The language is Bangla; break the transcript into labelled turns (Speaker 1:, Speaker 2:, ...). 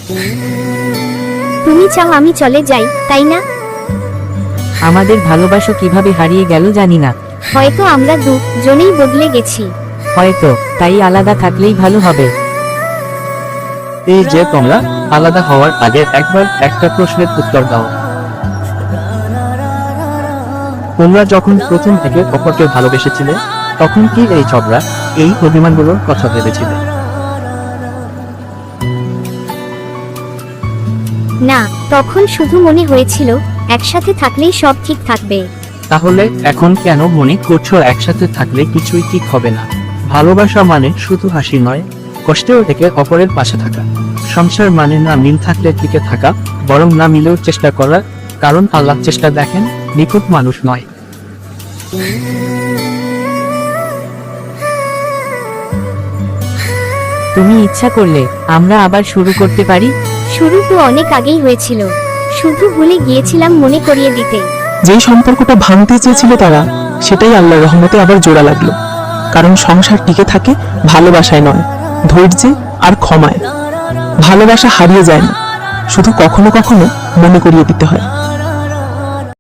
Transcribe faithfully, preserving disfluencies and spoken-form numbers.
Speaker 1: তুমি চাও আমি চলে যাই, তাই না?
Speaker 2: আমাদের ভালোবাসা কিভাবে হারিয়ে গেল জানি না।
Speaker 1: হয়তো আমরা দুজনেই বদলে গেছি।
Speaker 2: হয়তো তাই আলাদা থাকলেই ভালো হবে।
Speaker 3: এই যে তোমরা আলাদা হওয়ার আগে একবার একটা প্রশ্নের উত্তর দাও। তোমরা যখন প্রথম থেকে অপরকে ভালোবেসেছিলে তখন কি এই ঝগড়া, এই অভিমানগুলোর কথা ভেবেছিলে?
Speaker 1: না, তখন শুধু মনে হয়েছিল একসাথে থাকলেই সব ঠিক থাকবে।
Speaker 3: তাহলে এখন কেন মনে করছো একসাথে থাকলে কিছুই ঠিক হবে না? ভালোবাসা মানে শুধু হাসি নয়, কষ্টেও থেকে অপরের পাশে থাকা। সংসার মানে না মিল থাকলে টিকে থাকা, বরং না মিলেও চেষ্টা করা, কারণ আল্লাহ চেষ্টা দেখেন, নিখুঁত মানুষ নয়।
Speaker 2: তুমি ইচ্ছা করলে আমরা আবার শুরু করতে পারি।
Speaker 1: শুরু তো অনেক আগেই হয়েছিল, শুধু ভুলে গিয়েছিলাম মনে করিয়ে দিতে।
Speaker 4: যেই সম্পর্কটা ভাঙতে চেয়েছিল তারা, সেটাই আল্লাহর রহমতে আবার জোড়া লাগলো। কারণ সংসার টিকে থাকে ভালোবাসায় নয়, ধৈর্যে আর ক্ষমায়। ভালোবাসা হারিয়ে যায় না, শুধু কখনো কখনো মনে করিয়ে দিতে হয়।